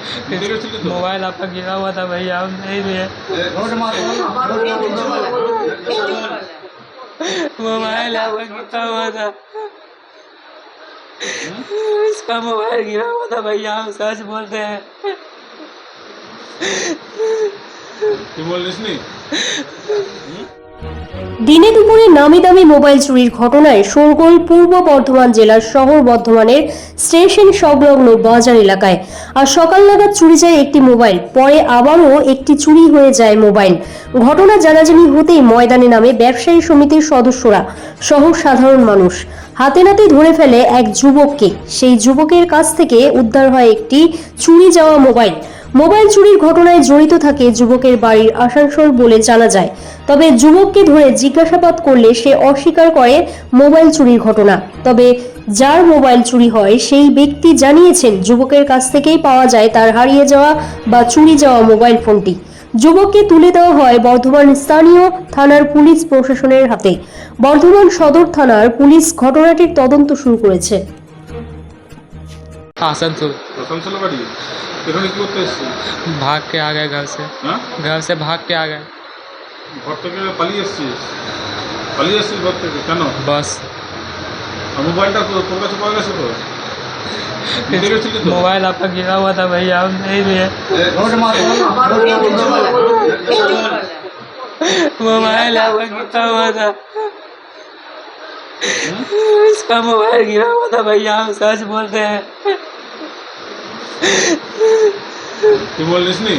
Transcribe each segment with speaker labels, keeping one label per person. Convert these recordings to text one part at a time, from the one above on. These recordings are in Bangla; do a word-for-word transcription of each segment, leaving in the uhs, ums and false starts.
Speaker 1: मोबाइल आपका गिरा हुआ था भैया, हम नहीं लिए। मोबाइल आपका गिरा हुआ था, इसका मोबाइल गिरा हुआ था भैया, हम सच बोलते हैं।
Speaker 2: দিনে দুপুরে নামি দামি মোবাইল চুরির ঘটনায় শোরগোল পূর্ব বর্ধমান জেলার শহর বর্ধমানের স্টেশন সংলগ্ন বাজার এলাকায়। আর সকাল নাগাদ চুরি যায় একটি মোবাইল, পরে আবারও একটি চুরি হয়ে যায় মোবাইল। ঘটনা জানাজানি হতেই ময়দানে নামে ব্যবসায়ী সমিতির সদস্যরা সহ সাধারণ মানুষ। হাতে নাতে ধরে ফেলে এক যুবককে। সেই যুবকের কাছ থেকে উদ্ধার হয় একটি চুরি যাওয়া মোবাইল। মোবাইল চুরির ঘটনায় জড়িত থাকে যুবকের বাড়ির আসানসোল বলে জানা যায়। তবে যুবককে ধরে জিজ্ঞাসাবাদ করলে সে অস্বীকার করে মোবাইল চুরির ঘটনা। তবে যার মোবাইল চুরি হয় সেই ব্যক্তি জানিয়েছেন যুবকের কাছ থেকেই পাওয়া যায় তার হারিয়ে যাওয়া বা চুরি যাওয়া মোবাইল ফোনটি। যুবককে তুলে দেওয়া হয় বর্ধমান স্থানীয় থানার পুলিশ প্রশাসনের হাতে। বর্ধমান সদর থানার পুলিশ ঘটনাটির তদন্ত শুরু করেছে।
Speaker 1: आसनसोल
Speaker 3: आसनसोल बाड़ी এখানে কি করতে এসেছিস?
Speaker 1: भाग के आ गए घर से।
Speaker 3: হ্যাঁ,
Speaker 1: घर से भाग के आ गए।
Speaker 3: ঘর থেকে পালিয়ে এসেছিস? পালিয়ে এসেছিস ঘর থেকে কেন?
Speaker 1: बस
Speaker 3: আর মোবাইলটা তো তোর কাছে পাওয়া গেছে তো? নিতে গেছিলি তো?
Speaker 1: मोबाइल आपका गिरा हुआ था भैया, हम नहीं लिए। मोबाइल आपका गिरा हुआ था, इसका मोबाइल गिरा हुआ था भैया, हम सच बोलते हैं।
Speaker 3: তুই বলিস নি?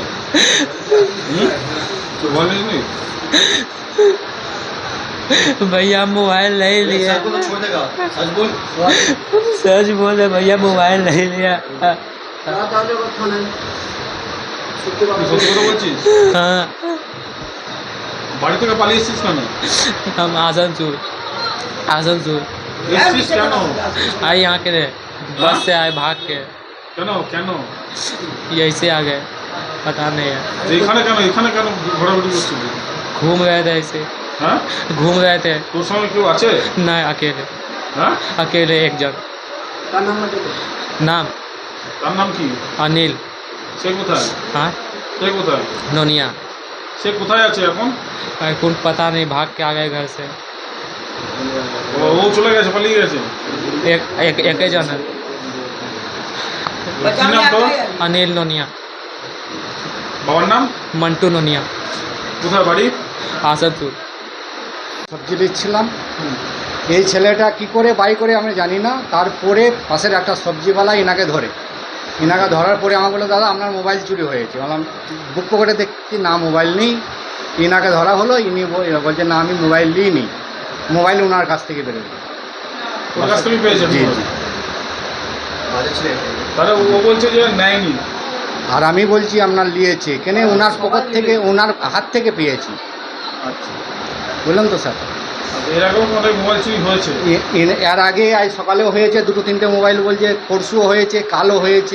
Speaker 3: তুই বলিস নি?
Speaker 1: भैया मोबाइल नहीं लिया, सच बोले भैया मोबाइल नहीं लिया।
Speaker 3: তুই সত্যি কথা বলছিস?
Speaker 1: हाँ,
Speaker 3: বাড়ি থেকে পালিয়ে এসেছিস কেন?
Speaker 1: हम आसनसोल आसनसोल
Speaker 3: এসেছিস কেন?
Speaker 1: आए यहाँ के रहे, बस से आए भाग के,
Speaker 3: কেন কেন
Speaker 1: ऐसे आ गए, पता नहीं है।
Speaker 3: যে এখানে কেন এখানে কেন ঘোরাঘুরি করছিলি?
Speaker 1: घूम रहे थे ऐसे,
Speaker 3: হ্যাঁ,
Speaker 1: घूम रहे थे।
Speaker 3: তোর সঙ্গে কেউ আছে?
Speaker 1: नहीं, अकेले
Speaker 3: হ্যাঁ,
Speaker 1: अकेले एक जन। नाम
Speaker 3: তার নাম কি?
Speaker 1: अनिल।
Speaker 3: সে কোথায়?
Speaker 1: हाँ,
Speaker 3: সে कोথায়?
Speaker 1: नोनिया।
Speaker 3: সে কোথায় আছে এখন?
Speaker 1: कौन पता नहीं, भाग के आ गए घर से।
Speaker 3: ও ও চলে গেছে, পালিয়ে গেছে।
Speaker 1: एक एक एक ही जन है,
Speaker 3: কি নাম তোর?
Speaker 1: अनिल नोनिया।
Speaker 3: বাবার নাম?
Speaker 1: मंटू नोनिया,
Speaker 3: কোথায় বাড়ি?
Speaker 1: आसनसोल।
Speaker 4: সবজি দিচ্ছিলাম, এই ছেলেটা কি করে বাই করে আমি জানি না। তারপরে পাশের একটা সবজিওয়ালা ইনাকে ধরে, ইনাকে ধরার পরে আমাকে বললো দাদা আপনার মোবাইল চুরি হয়েছে। বললাম বুক পকেটে দেখছি না মোবাইল নেই। ইনাকে ধরা হলো, ইনি বলছে না আমি মোবাইল নিইনি, মোবাইল ওনার কাছ থেকে বেরোবে।
Speaker 3: তোর কাছ থেকে পেয়েছেন?
Speaker 4: জি জি।
Speaker 3: তাহলে ও বলছে যে নেয়নি।
Speaker 4: আর আমি বলছি আপনার নিয়েছে কেন, ওনার পকেট থেকে ওনার হাত থেকে পেয়েছি।
Speaker 3: আচ্ছা,
Speaker 4: বললাম তো স্যার,
Speaker 3: এর আগেও অনেক মোবাইল চুরি হয়েছে।
Speaker 4: এ- এ- এর আগে আজ সকালেও হয়েছে দুটো তিনটে মোবাইল, বলছে পরশুও হয়েছে, কালও হয়েছে।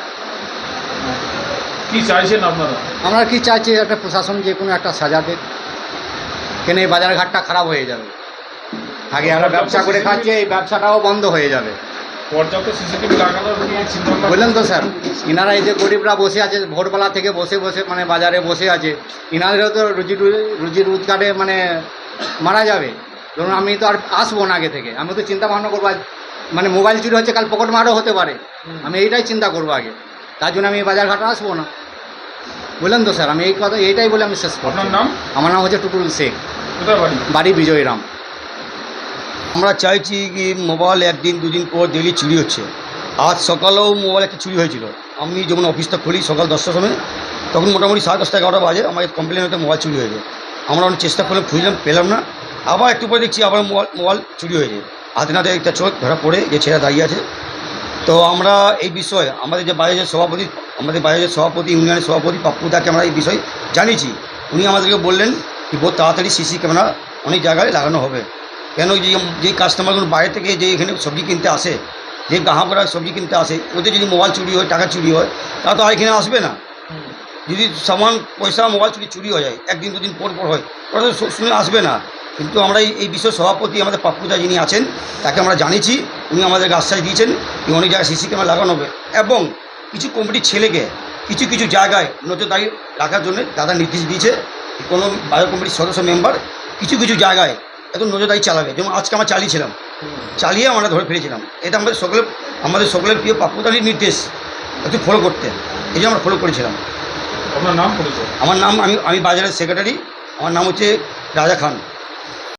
Speaker 3: কি চাইছেন আপনারা?
Speaker 4: আমরা কি চাইছি একটা প্রশাসন যে কোনো একটা সাজা দেয়, কেন এই বাজার ঘাটটা খারাপ হয়ে যাবে। আগে আমরা ব্যবসা করে খাচ্ছি, এই ব্যবসাটাও বন্ধ হয়ে যাবে।
Speaker 3: পর্যাপ্ত সিসিটিভি লাগানোর কি চিন্তা ভাবনা?
Speaker 4: বুঝলেন তো স্যার, ইনারা এই যে গরিবরা বসে আছে ভোরবেলা থেকে বসে বসে মানে বাজারে বসে আছে, ইনাদেরও তো রুজি রুজি রোজগারে মানে মারা যাবে। ধরুন আমি তো আর আসবো না আগে থেকে, আমি তো চিন্তা ভাবনা করবো আজ মানে মোবাইল চুরি হচ্ছে, কাল পকেট মারও হতে পারে, আমি এইটাই চিন্তা করবো আগে। তার জন্য আমি বাজার ঘাটে আসবো না। বললেন তো স্যার, আমি এই কথা এইটাই বলে আমি শেষ করছি।
Speaker 3: আপনার নাম?
Speaker 4: আমার নাম হচ্ছে টুটুল শেখ,
Speaker 3: কোথায় বাড়ি?
Speaker 4: বাড়ি বিজয়রাম।
Speaker 5: আমরা চাইছি কি মোবাইল একদিন দুদিন পর ডেলি চুরি হচ্ছে। আজ সকালেও মোবাইল একটা চুরি হয়েছিল। আমি যখন অফিসটা খুলি সকাল দশটার সময়, তখন মোটামুটি সাড়ে দশটা এগারোটা বাজে আমাদের কমপ্লেন হতে মোবাইল চুরি হয়েছে। আমরা অনেক চেষ্টা করলাম, খুঁজলাম, পেলাম না। আবার একটু পরে দেখছি আবার মোবাইল মোবাইল চুরি হয়েছে। হাতে নাতে একটা চোখ ধরা পড়ে যে ছেলে দাঁড়িয়ে আছে। তো আমরা এই বিষয়ে আমাদের যে বাজারের সভাপতি আমাদের বাজারের সভাপতি ইউনিয়নের সভাপতি পাপ্পুদাকে আমরা এই বিষয়ে জানিয়েছি। উনি আমাদেরকে বললেন কি বহু তাড়াতাড়ি সিসি ক্যামেরা অনেক জায়গায় লাগানো হবে। কেন যে যে কাস্টমারগুলো বাইরে থেকে যে এখানে সবজি কিনতে আসে, যে গ্রাহকরা সবজি কিনতে আসে, ওদের যদি মোবাইল চুরি হয়, টাকা চুরি হয়, তারা তো আর এখানে আসবে না। যদি সামান পয়সা মোবাইল চুরি চুরি হয়ে যায় একদিন দুদিন পর পর হয়, ওরা তো শুনে আসবে না। কিন্তু আমরা এই এই বিষয়ে সভাপতি আমাদের পাপ্পুদা যিনি আছেন তাকে আমরা জানিয়েছি। উনি আমাদেরকে আশ্বাস দিয়েছেন যে অনেক জায়গায় সিসি ক্যামেরা লাগানো হবে এবং কিছু কমিটির ছেলেকে কিছু কিছু জায়গায় নজরদারি রাখার জন্য দাদা নির্দেশ দিয়েছে কোনো বাজার কমিটির সদস্য মেম্বার কিছু কিছু জায়গায় এত নজরদারি চালাবে। যেমন আজকে আমরা চালিয়েছিলাম, চালিয়ে আমরা ধরে ফেলেছিলাম। এটা আমাদের সকলের আমাদের সকলের প্রিয় প্রাপ্যতারই নির্দেশ একটু ফলো করতে, এই জন্য আমরা ফলো করেছিলাম।
Speaker 3: আপনার নাম পরিচয়?
Speaker 5: আমার নাম আমি আমি বাজারের সেক্রেটারি, আমার নাম হচ্ছে রাজা খান।